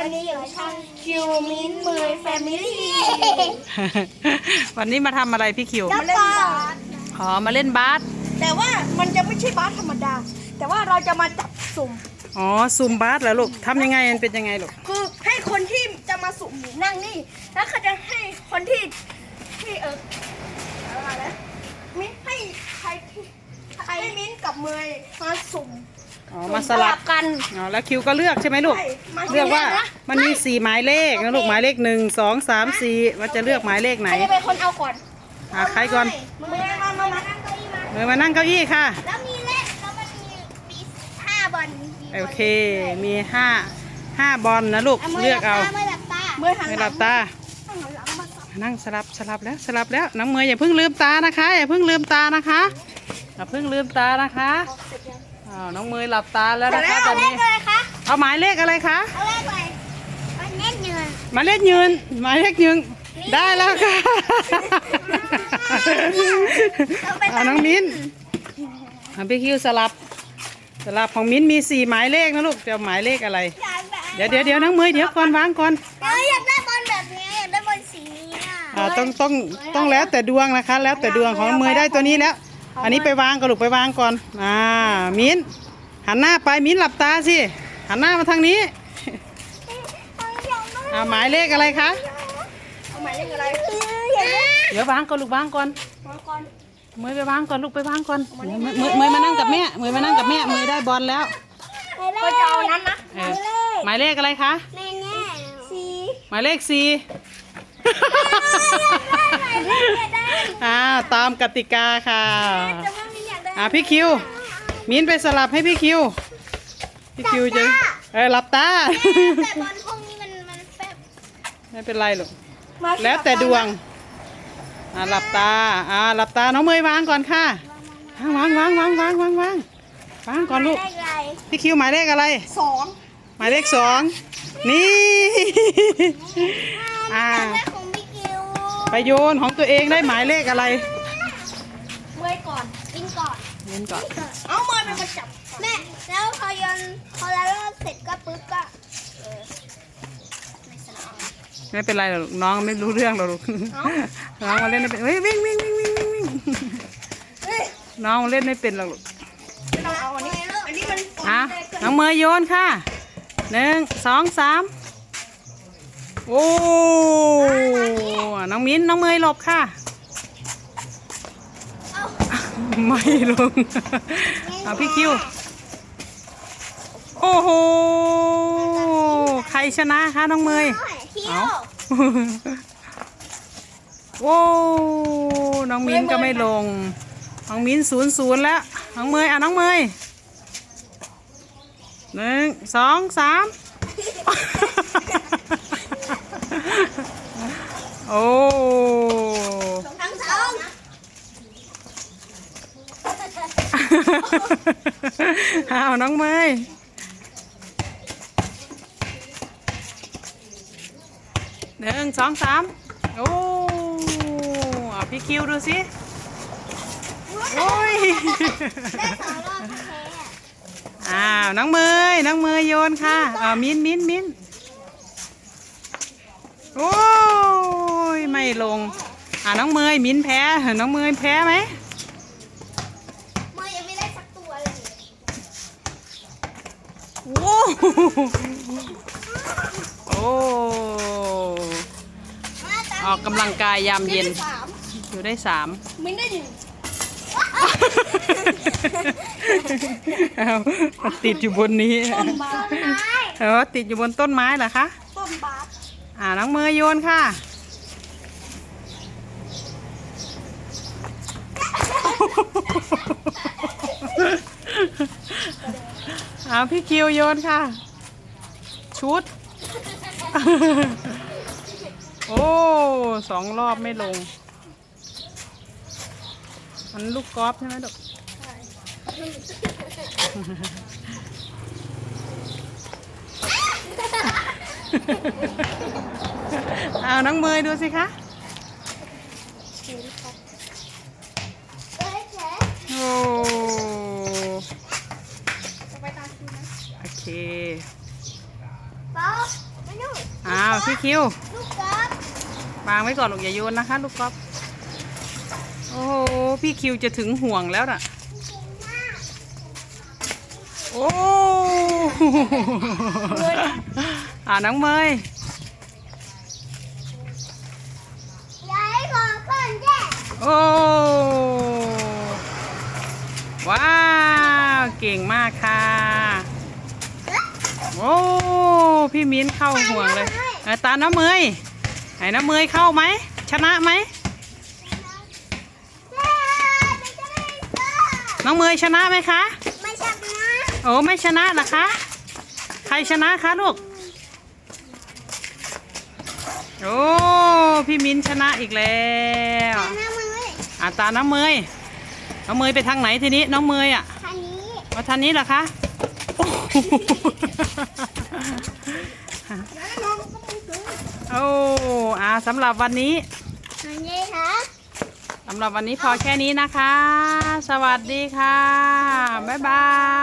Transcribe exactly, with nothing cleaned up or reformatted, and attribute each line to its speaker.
Speaker 1: วันนี้อยู่ช่องคิวมินมือแฟมิลี่
Speaker 2: วันนี้มาทำอะไรพี่คิว
Speaker 1: มาเล่นบาส
Speaker 2: อ๋อมาเล่นบาส
Speaker 1: แต่ว่ามันจะไม่ใช่บาสธรรมดา แต่ว่าเราจะมาจับสุ่ม
Speaker 2: อ๋อซุ่มบาสเหรอลูกทำยังไงมันเป็นยังไงลูก
Speaker 1: คือให้คนที่จะมาสุ่มนั่งนี่ แล้วเขาจะให้คนที่ที่เอออะไรนะมิ้นให้ใครที่ให้มิ้นกับเมยมาสุ่ม
Speaker 2: อ๋อมาสลับ
Speaker 1: กัน
Speaker 2: อ๋อแล้วคิวก็เลือกใช่ไหมลูก
Speaker 1: ใช่มา
Speaker 2: เลือกว่า
Speaker 1: เลือกนะ
Speaker 2: มันมีสี่หมายเลขนะลูกหมายเลขหนึ่งสองสามสี่ว่าจะเลือกหมายเลขไหน
Speaker 1: ใครจะเป็นคนเอาก่อน
Speaker 2: อ่ะใครก่อน
Speaker 1: เมยมามามานั่งเก้าอี้มา
Speaker 2: เมยมานั่งเก้าอี้ค่ะ
Speaker 1: แล้วมีเลขแล้วมันมีมีห้าบอลมีบล
Speaker 2: โอเคมีห้าห้าบอลนะลูกเลือกเอา
Speaker 1: เมื่อหลับตาเมื่อหัน
Speaker 2: ไม่
Speaker 1: ห
Speaker 2: ห
Speaker 1: ลั
Speaker 2: ลั
Speaker 1: ง
Speaker 2: บตา
Speaker 1: หันหลังมาสับ
Speaker 2: นั่งสลับสลับแล้วสลับแล้วน้องเมย์อย่าเพิ่งลืมตานะคะอย่าเพิ่งลืมตานะคะอย่าเพิ่งลืมตานะคะอ้าวน้องเมย์หลับตาแล้วนะคะตอนนี้
Speaker 1: อะไรคะ
Speaker 2: เอาหมายเลขอะไรคะ
Speaker 1: เอาเลขอะไรมันเล่นเงิน
Speaker 2: หมายเลขยืนหมายเลขยืนได้แล้วค่ะเอาน้องมิ้นเอาพี่คิวสลับสลับของมิ้นมีสี่หมายเลขนะลูกจะเอาหมายเลขอะไร
Speaker 1: อยากได้
Speaker 2: เดี๋ยวเดี๋ยวเดี๋ยวน้องเมย์เดี๋ยวก่อนวางก่อน
Speaker 1: เดี๋ยวอยากได้บอลแบบนี้อยากได้บอลสีนี้อ่ะ
Speaker 2: อ่าต้องต้องต้องแล้วแต่ดวงนะคะ แล้วแต่ดวงของเมย์ได้ตัวนี้แล้ว อันนี้ไปวางก่อนลูกไปวางก่อนอ่ามิ้นหันหน้าไปมิ้นหลับตาสิหันหน้ามาทางนี้อ่าหมายเลขอะไรคะ
Speaker 1: เอาหมายเลขอะไรอยากได้
Speaker 2: เดี๋ยววางก่อนลูกวางก่อน
Speaker 1: มาก่อน
Speaker 2: เมย์ไปวางก่อนลูกไปวางก่อนเมย์เมย์เมย์มานั่งกับแม่เมย์มานั่งกับแม่เมย์ได้บอลแล้ว
Speaker 1: ก็จะเอานั้นนะ
Speaker 2: เออหมายเลขอะไรคะ
Speaker 1: แน่แน่สี
Speaker 2: หมายเลขสี่
Speaker 1: อยากได้
Speaker 2: อ่าตามกติกาค่ะ
Speaker 1: แต่ว่าไม่อยากได้
Speaker 2: อ่าพี่คิวมิ้นไปสลับให้พี่คิวพี่คิวจะเออหลับตา
Speaker 1: แต่บอลพวกนี้มันมันแบบ
Speaker 2: ไม่เป็นไรหรอกแล้วแต่ดวงอ่าหลับตาอ่าหลับตาน้องเมย์วางก่อนค่ะวางวางวางวางวางวางวางก่อนลูก
Speaker 1: ได้ไร
Speaker 2: พี่คิวหมายเลขอะไร
Speaker 1: สอง
Speaker 2: หมายเลขสองนี่อ่า
Speaker 1: ได้ของพี่กิว
Speaker 2: ไปโยนของตัวเองได้หมายเลขอะไร
Speaker 1: เมื่อยก่อนกินก่อน
Speaker 2: เล่นก่อน
Speaker 1: เอาเมื่อยเป็นคนจับแม่แล้วพอโยนพอแล้วเสร็จก็ปึ๊บก็เออในสนาม
Speaker 2: ไม่เป็นไรหรอกลูกน้องไม่รู้เรื่องหรอกลูกน้องมาเล่นไม่เป็นเฮ้ยวิ่งวิ่งวิ่งวิ่งวิ่งวิ่ง
Speaker 1: เฮ้ย
Speaker 2: น้องเล่นไม่เป็นหรอกลูก
Speaker 1: ไม่ต้องเอาอันนี้อันนี้มัน
Speaker 2: อ่ะน้องเมย์โยนค่ะหนึ่งสองสามโอ้น้องมิ้นน้องเมย์หลบค่ะไม่ลงเอาพี่คิวโอ้โหใครชนะคะน้องเมย์
Speaker 1: คิ
Speaker 2: เอา
Speaker 1: ว
Speaker 2: โอ้น้องมิ้นก็ไม่ลงน้องมิ้นศูนย์ศูนย์แล้วน้องเมย์อ่ะน้องเมย์หนึ่งสองสามโอ้
Speaker 1: ทั้งสอง
Speaker 2: อ้าวน้องเมย์หนึ่งสองสามโอ้เอาพี่คิวดูสิโอ้ย
Speaker 1: ได้สองรอบแพ้
Speaker 2: อ้าวน้องเมย์น้องเมย์โยนค่ะอ้าวมิ้นมิ้นมิ้นโอ้ยไม่ลงอ่าน้องเมย์มิ้นแพ้น้องเมย์แพ้ไหม
Speaker 1: เมื่อยังไม่ได้สักตัวเลย
Speaker 2: โอ้โอ้ออกกำลังกายยามเย็น
Speaker 1: สาม
Speaker 2: อยู่ได้สาม
Speaker 1: มิ้นได้หนึ่ง
Speaker 2: เอาติดอยู่บนนี้
Speaker 1: ต้นบาสต้นไม้
Speaker 2: เออติดอยู่บนต้นไม้เหรอคะ
Speaker 1: ต้นบาส
Speaker 2: อ่าน้องเมย์โยนค่ะเอาพี่คิวโยนค่ะ ชุด โอ้สองรอบไม่ลง มันลูกกอล์ฟใช่ไหมลูก เอาน้องเมย์ดูสิคะ
Speaker 1: เอ้ยแฉ
Speaker 2: โอ้
Speaker 1: จะไปตามคิวนะ
Speaker 2: โอเค
Speaker 1: ป๊อปมาดู
Speaker 2: าวพี่คิว
Speaker 1: ลูกกอล์ฟ
Speaker 2: วางไว้ก่อนลูกอย่าโยนนะคะลูกก๊อฟโอ้โหพี่คิวจะถึงห่วงแล้วน่ะโอ้อ่าน้องเมย
Speaker 1: ยายขอก่อนแย่
Speaker 2: โอ้ว้าวเก่งมากค่ะโอ้พี่มิ้นเข้าห่วงเลยเออตาน้ำเมยไหนน้ำเมยเข้าไหมชนะไหมน้องเมยชนะไหมคะ
Speaker 1: ไม่ชนะ
Speaker 2: โอ้ไม่ชนะเหรอคะใครชนะคะลูกโอ้พี่มิ้นชนะอีกแล้ว
Speaker 1: ชนะมือ
Speaker 2: อ่าตาน้องเมยน้องเมยไปทางไหนทีนี้น้องเมยอ่ะ
Speaker 1: คันนี้
Speaker 2: มาทางนี้เหรอคะโอ้โห
Speaker 1: แล้วน้องก็มือถือ
Speaker 2: โอ้อาสำหรับวันนี้
Speaker 1: คันนี้ค่ะ
Speaker 2: สำหรับวันนี้พอแค่นี้นะคะ สวัสดีค่ะ บ๊ายบาย